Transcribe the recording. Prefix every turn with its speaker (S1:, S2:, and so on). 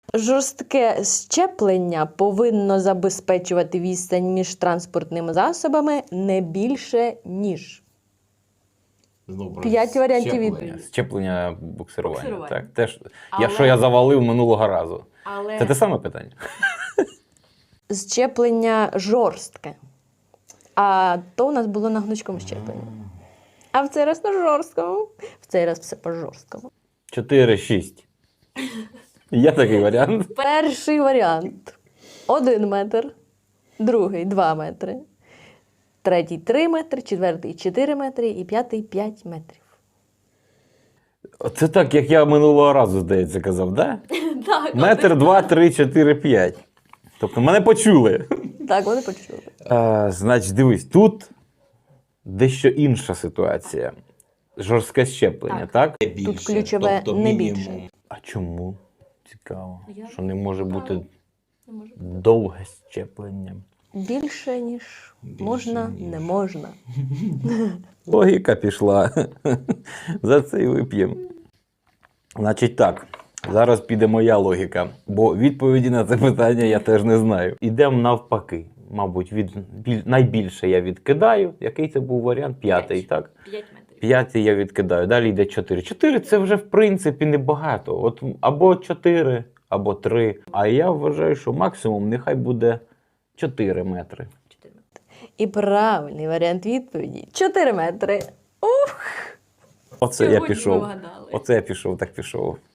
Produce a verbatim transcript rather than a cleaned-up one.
S1: Жорстке щеплення повинно забезпечувати відстань між транспортними засобами не більше, ніж.
S2: Знову про
S1: П'ять варіантів
S2: щеплення.
S1: відповіді.
S3: Щеплення буксирування.
S1: Буксирування.
S3: Так, теж,
S1: Але-
S3: Якщо я завалив минулого разу.
S1: Але
S3: Це те саме питання?
S1: щеплення жорстке. А то у нас було на гнучкому щепленні. А в цей раз на жорсткому. В цей раз все по жорсткому.
S3: чотири шість. Є такий варіант.
S1: Перший варіант. Один метр. Другий два метри. Третій три метри. Четвертий чотири метри. І п'ятий п'ять метрів.
S3: Це так, як я минулого разу, здається, казав, да?
S1: Так,
S3: Метр, два, три, чотири, п'ять. Тобто мене почули.
S1: так, вони почули.
S3: А, значить, дивись, тут дещо інша ситуація. Жорстке щеплення, так?
S2: Не більше,
S1: Тут ключове
S2: тобто
S1: не
S2: мінімум.
S1: більше.
S3: А чому? Цікаво.
S1: Я-
S3: Що не може бути
S1: Не може.
S3: довге щеплення.
S1: Більше, ніж
S2: Більше,
S1: можна,
S2: ніж.
S1: не можна.
S3: Логіка пішла. За це і вип'ємо. Значить так, зараз піде моя логіка, бо відповіді на це питання я теж не знаю. Ідемо навпаки. Мабуть, від, біль, найбільше я відкидаю. Який це був варіант? П'ятий, так?
S1: П'ять метрів.
S3: П'ятий я відкидаю. Далі йде чотири. Чотири це вже, в принципі, небагато. От або чотири, або три. А я вважаю, що максимум нехай буде чотири метри.
S1: І правильний варіант відповіді – чотири метри. Ух!
S3: Оце я
S1: Сьогодні ви
S3: пішов.
S1: вгадали.
S3: Оце я пішов, так пішов.